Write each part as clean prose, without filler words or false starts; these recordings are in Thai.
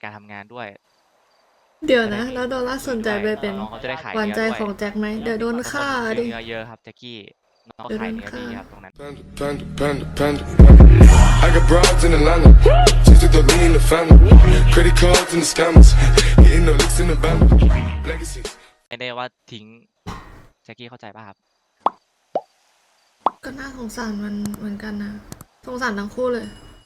การทำงานด้วยเดี๋ยวนะแล้วโดนัทสนใจไปเป็นน้องเขาจะได้ขายหวานเนื้อใจด้วยของแจ็คไหมเดี๋ยวโดนฆ่าซื้ดิอเนื้อเยอะครับแจ็คกี้น้องเขาเดี๋ยวขายโดนเนื้อฆ่าดีครับตรงนั้น Panda. I got broads in Atlanta. Just took the lean in the family. Credit cards and the scammers. Hitting the licks in the band. Legacies. ไม่ได้ว่าทิ้งแจ็คกี้เข้าใจป่ะครับก็น่าสงสารมันเหมือนกันนะสงสารทั้งคู่เลย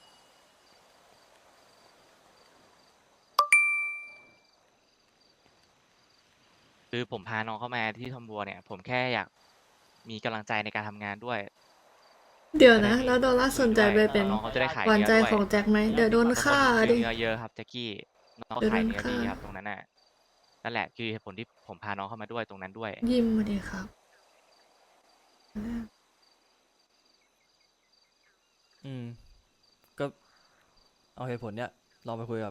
คือผมพาน้องเข้ามาที่ทอมบัวเนี่ย ผมแค่อยากมีกำลังใจในการทำงานด้วยเดี๋ยวนะแล้วโดนัทสนใจไปเป็นน้องเขาจะได้ขายหวานเนื้อใจด้วยของแจ็คไหมเดี๋ยวโดนฆ่าซื้อดิเนื้อเยอะครับแจ็คกี้น้องเขาเดี๋ยวขายโดนเนื้อดีฆ่าครับตรงนั้นน่ะนั่นแหละคือเหตุผลที่ผมพาน้องเข้ามาด้วยตรงนั้นด้วยยิ้มมาดิครับอืม ก็เอาเหตุผลเนี้ยลองไปคุยกับ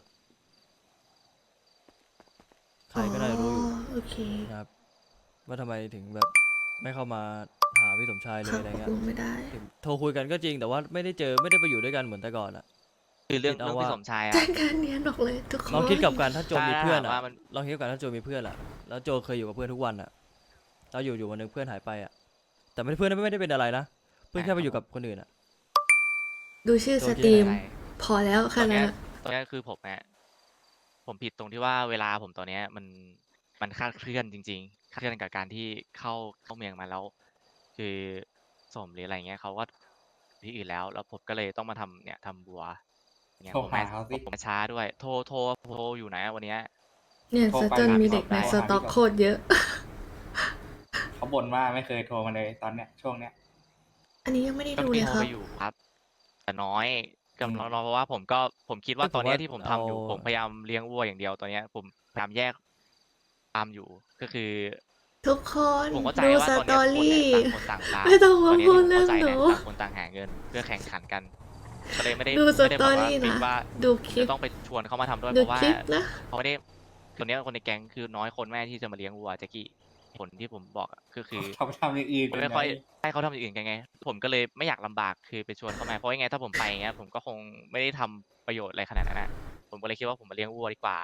ใครก็ได้รู้อยู่โอเคนะครับ ว่าทำไมถึงแบบไม่เข้ามาหาพี่สมชายเลคยรับอะไรตกเงี้ยลงไม่ได้ถึงโทรคุยกันก็จริงแต่ว่าไม่ได้เจอไม่ได้ไปอยู่ด้วยกันเหมือนแต่ก่อนอะคือเรื่องคิดเอาพี่ว่าสมชายอะแจ้งการเนียนออกเลยทุกคนลองคิดกับการถ้าโจมีเพื่อนถ้าอะว่ามันลองคิดกับการถ้าโจมีเพื่อนอะแล้วโจเคยอยู่กับเพื่อนทุกวันอะแล้วอยู่วันหนึงเพื่อนหายไปอะแต่ไม่เพื่อนไม่ได้เป็นอะไรนะเพื่อนแค่ไปอยู่กับคนอื่นอะดูชื่อโจสคิดตรีมอะไรพอแล้วตค่ะอนนั้เนี้นยอะตอนเนี้ยคือผมเนี่ยผมผิดตรงที่ว่าเวลาผมตอนเนี้ยมันคลาดเคลื่อนจริงๆคลาดเคลื่อนกับการที่เข้าเมืองมาแล้ว คือสมหรืออะไรเงี้ยเขาก็ที่อื่นแล้วผมก็เลยต้องมาทำบัวเนี่ยโทรผมหามาเขาสิผมมาช้าด้วย โทรอยู่นะวันเนี้ยเนี่ยโทรซะไปจนหามีพี่เด็กสมในชายสต็อกโคตรเยอะเขาบ่นว่าไม่เคยโทรมาเลยตอนเนี้ยช่วงเนี้ยอันนี้ยังไม่ได้ก็ดูมีเลยโทครรัไปบอยู่ครับ แต่น้อยกับอืมน้อยเพราะว่าผมคิดว่าเอ้ยตอนเนี้ยผมว่าที่ผมทำอยู่เอาผมพยายามเลี้ยงวัวอย่างเดียวตอนเนี้ยผมพยายามแยกฟาร์มอยู่ก็คือทุกคนผมเข้าใจดูว่าสตอนตเนี้อยคนเนี่ยรี่ต่างคนต่างฟาร์มไม่ต้องตมาอนนี้พูดผมเรื่อเข้าง ใจหนะนูต่างคนต่างหาเงินเพื่อแข่งขันกันก็เลยไม่ได้ดูสไม่ได้ตแบอบว่ารี่คิดนะว่าดูคลิจะปต้องไปชวนเขามาทำด้วยดูเพราะว่าคลิปนะเขาไม่ได้ตัวเนี้ยคนในแก๊งคือน้อยคนแม่ที่จะมาเลี้ยงวัวแจ็คกี้ผลที่ผมบอกอะก็คือเขาไปทำอย่างอื่นผมกันไม่ไงค่อยให้เขาทำอย่างอื่นกันไง ผมก็เลยไม่อยากลำบากคือไปชวนเขามาเพราะยังไงถ้าผมไปอย่างเงี้ยผมก็คงไม่ได้ทำประโยชน์อะไรขนาดนั้นนะผมก็เลยคิดว่าผมมาเลี้ยงวัวดีกว่า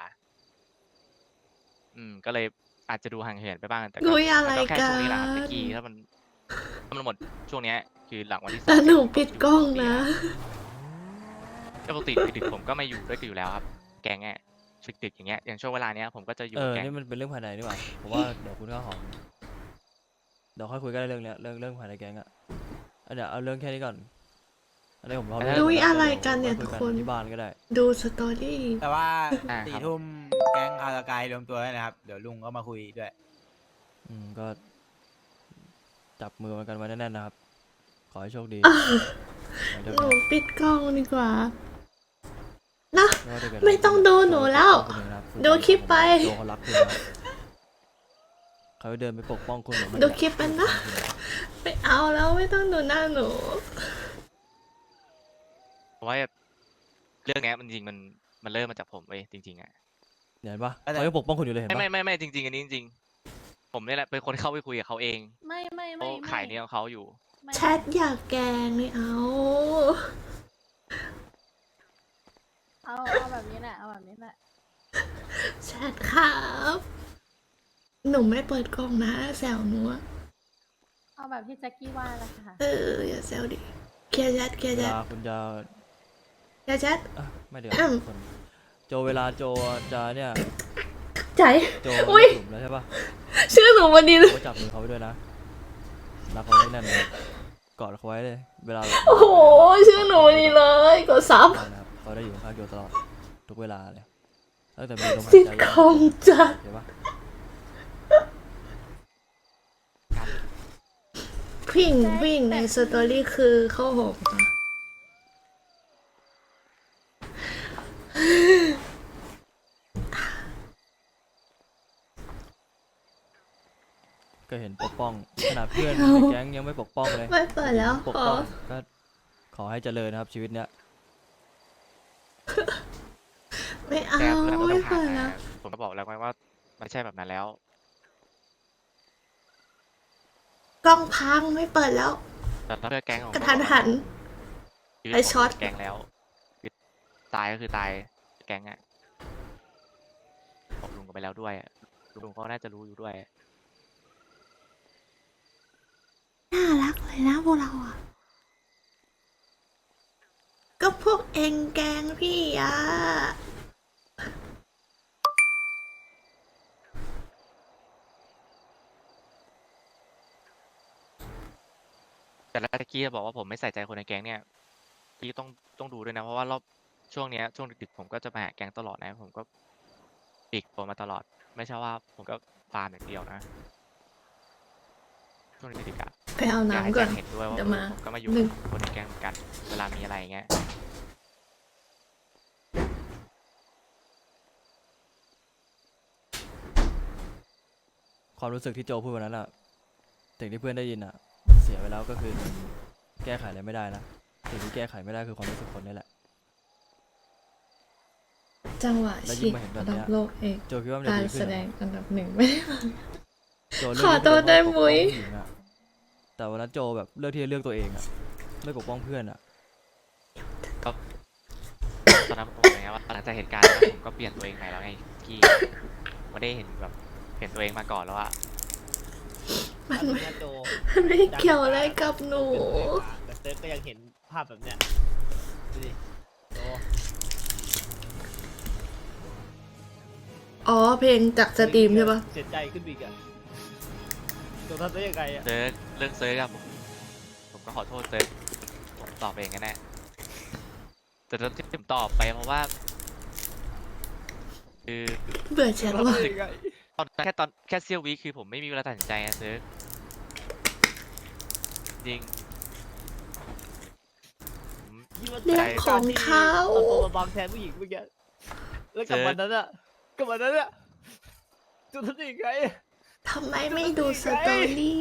ก็เลยอาจจะดูห่างเหินไปบ้างแต่ก็อุ๊ยอะไรมันก็แค่ช่วงนี้แหละครับกันแจ็คกี้ถ้ามันหมดช่วงเนี้ยคือหลังวันที่แต่ 3 หนูปิดกล้องนะปกติดึกๆผมก็ไม่อยู่ด้วยกันอยู่แล้วครับ แกงเนี่ยดึกๆอย่างเงี้ยอย่างช่วงเวลาเนี้ยผมก็จะอยู่ แกงนี่มันเป็นเรื่องภายในนี่หว่าผมว่าเดี๋ยวคุณข้าวหอมเดี๋ยวค่อยคุยกันเรื่องเนี้ยเรื่องภายในแก๊งอะเดี๋ยวเอาเรื่องแค่นี้ก่อนอันนี้ผมรอดูอะไรกันเนี่ยทุกคนที่บ้านก็ได้ดูสตอรี่แต่ว่าอ่าสี่ครับทุ่มแก๊งคาราไกายรวมตัวแล้วนะครับ เดี๋ยวลุงก็มาคุยด้วยก็จับมือกันไว้แน่นๆนะครับ ขอให้โชคดีหนูปิดกล้องดีกว่า นะว่าถ้าเกิดไม่ต้องดูหนูแล้วคุณเองนะครับดูคลิปไปโจเขารักคุณนะครับเขาเดินไปปกป้องคุณเหมือนไม่ดูอยากคลิปไปนะ ไม่เอาแล้วไม่ต้องดูหน้าหนูเพราะว่าเรื่องเนี้ยมันจริงมันเริ่มมาจากผมเว้ยจริงๆอ่ะเห็นปะอะไรเขาจะปกป้องคุณอยู่เลยเห็นปะไม่จริงๆอันนี้จริงๆผมนี่แหละเป็นคนเข้าไปคุยกับเขาเองไม่เขาขายเนี้ยของเขาอยู่ไม่แชทอยากแกล้งไม่เอาเอาแบบนี้แหละเอาแบบนี้แหละแชทครับ หนูไม่เปิดกล้องนะแซวหนูอะเอาแบบที่แจ็คกี้ว่าแหละค่ะอย่าแซวดิเคลียร์แชทเคลียร์เวแชทลาคุณจะเคลียร์แชทไม่เดี๋ยวอืมคนโจเวลาโจจะเนี่ยใจโจอุ๊ยหลุมแล้วใช่ปะชื่อหนูวันนี้เลยก็จับมือเขาไปด้วยนะรักเขาแน่นๆเลยกอดเขาไว้เลย เวลาโอ้โห ชื่อหนูวันนี้เลยกดซับนะครับเขาได้อยู่ข้างโจตลอดทุกเวลาเลยตั้งแต่มีลมหายซิทใจคอมจัดเห็นปะผู้หญิงในสตอรี่คือข้าวหอมค่ะก็เห็นปกป้องขนาดเพื่อนในแก๊งยังไม่ปกป้องเลยไม่เปิดแล้วปกขอป้องก็ขอให้เจริญนะครับชีวิตเนี้ยไม่เอาแต่เพื่อนก็ไม่ต้องผ่าเปินดแล้วนะผมก็บอกแล้วไงว่าไม่ใช่แบบนั้นแล้วกล้องพังไม่เปิดแล้วแต่ถ้าเพื่อแก๊งของกระทันหันชีวิตไอ้ช็อตแก๊งแล้วคือตายก็คือตายแก๊งอ่ะแล้วด้วยอะลุงก็น่าจะรู้อยู่ด้วยน่ารักเลยนะพวกเราอ่ะ ก็พวกเองแกล้งพี่อ่ะแต่แล้วตะกี้บอกว่าผมไม่ใส่ใจคนในแก๊งเนี่ยกี้ต้องดูด้วยนะเพราะว่ารอบช่วงเนี้ยช่วงดึกๆผมก็จะมาหาแก๊งตลอดนะผมก็ปีกตัวมาตลอด ไม่ใช่ว่าผมก็ฟาร์มอย่างเดียวนะช่วงดึกๆอะไปเอาอยากให้น้ำก่แจ็อนคเห็นด้วยว่าเดี๋ยวมาผมก็มาอยู่หนึ่งกับคนในแก๊งเหมือนกันเวลามีอะไรอย่างเงี้ยความรู้สึกที่โจพูดวันนั้นอะสิ่งที่เพื่อนได้ยินอะเสียไปแล้วก็คือแก้ไขอะไรไม่ได้นะสิ่งที่แก้ไขไม่ได้คือความรู้สึกคนนี่แหละจังหวะแล้วยิ่ฉีงกมาเห็นแบบอันเนี้ดับยโลกเองโจคิดว่ามันจะการดีแสขึ้นดเหรองอันดับหนึ่งไม่ได้มาโจเลืขอที่โทษได้จะปกป้องมุ้ยผู้หญิงอะแต่วันนั้นโจแบบเลือกที่จะเลือกตัวเองอะไม่ปกป้องเพื่อนอะตอนนั้นผมบอกเลยนะว่าหลังจากเหตุการณ์นั้นผมก็เปลี่ยนตัวเองไปแล้วไงกี้ไม่ได้เห็นแบบเห็นตัวเองมาก่อนแล้วอะมันไม่เกี่ยวอะไรกับหนูแต่เซิร์ฟก็ยังเห็นภาพแบบเนี้ยดูดิโอ้อ๋อเพลงจากสตรีมใช่ปะเสียใจขึ้นอีกอะตัวทำได้ยังไงอะเซิร์กเรื่องเซิร์กอะผมก็ขอโทษเซิร์กผมตอบเองกันแน่แต่ที่ผมตอบไปเพราะว่าคือเบื่อแชทว่ะตอนแค่เซี่ยววิคือผมไม่มีเวลาตัดสินใจอะเซิร์กจริงผมคิดว่าเรื่องของเขาเอาตัวมาบังแทนผู้หญิงเมื่อกี้แล้วกับวันนั้นอะกับวันนั้นอะตัวทำได้ยังไงทำไมไม่ดูสตอรี่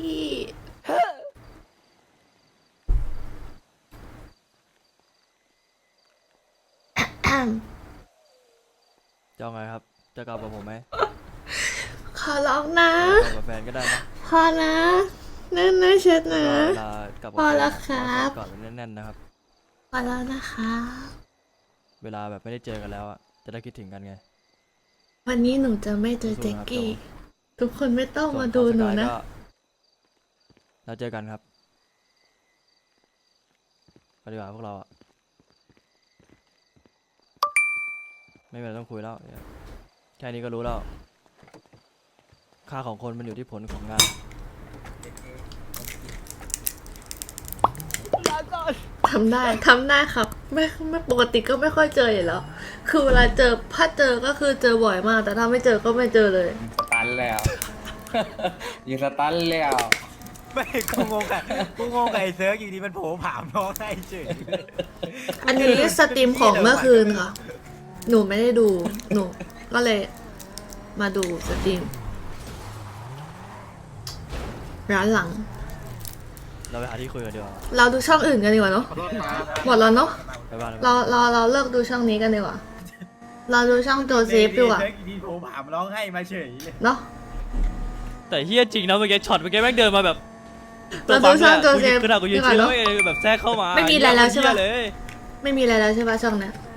จะเอาไงครับจะกลับกับผมไหมขอร้องนะกลับกับแฟนก็ได้นะพอนะนั่นนะเช็ดนะก็เวลากลับกับพอแฟนแล้วอะครับกอดกันแน่นๆนะครับพอแล้วนะคะเวลาแบบไม่ได้เจอกันแล้วอะจะได้คิดถึงกันไงวันนี้หนูจะไม่เจอสู้ๆแจ็คนะครับกี้โจทุกคนไม่ต้องส่วมาดูหนูของสกยนะก็แล้วเจอกันครับปฏิบัติพวกเราอะไม่เป็นไรต้องคุยแล้วเดี๋ยวแค่นี้ก็รู้แล้ว ค่าของคนมันอยู่ที่ผลของงานลาก่อนทำได้ครับ ไม่ปกติก็ไม่ค่อยเจออยู่แล้ว คือเวลาเจอถ้าเจอก็คือเจอบ่อยมาก แต่ถ้าไม่เจอก็ไม่เจอเลยสตันแล้ว ยิงสตันแล้วไม่กูงงกับไอ้เซิร์ฟอยู่ดีมันโผล่ผามน้องให้เฉยอันนี้สตรีมของเมื่อคืนค่ะ หนูไม่ได้ดู หนูก็เลยมาดูสตรีมร้านหลังเราไปหาที่คุยกันดีกว่าเราดูช่องอื่นกันดีกว่าเนาะ หมดแล้วเนาะไปบ้านเราเลิกดูช่องนี้กันดีกว่า เราดูช่องโจเซฟดีกว่าเซิร์ฟอยู่ดีโผล่ผามร้องให้มาเฉยเลยเนาะแต่เฮียจริงนะเมื่อกี้ช็อตเมื่อกี้แม่งเดินมาแบบเราดูช่องโจเซฟขนาดกูยืนดีกว่าชิวแล้วเนาะแบบแทรกเข้ามาไม่มีอะไรแล้วใช่ปะเหี้ยเลยไม่มีอะไรแล้วใช่ปะช่องเนี้ย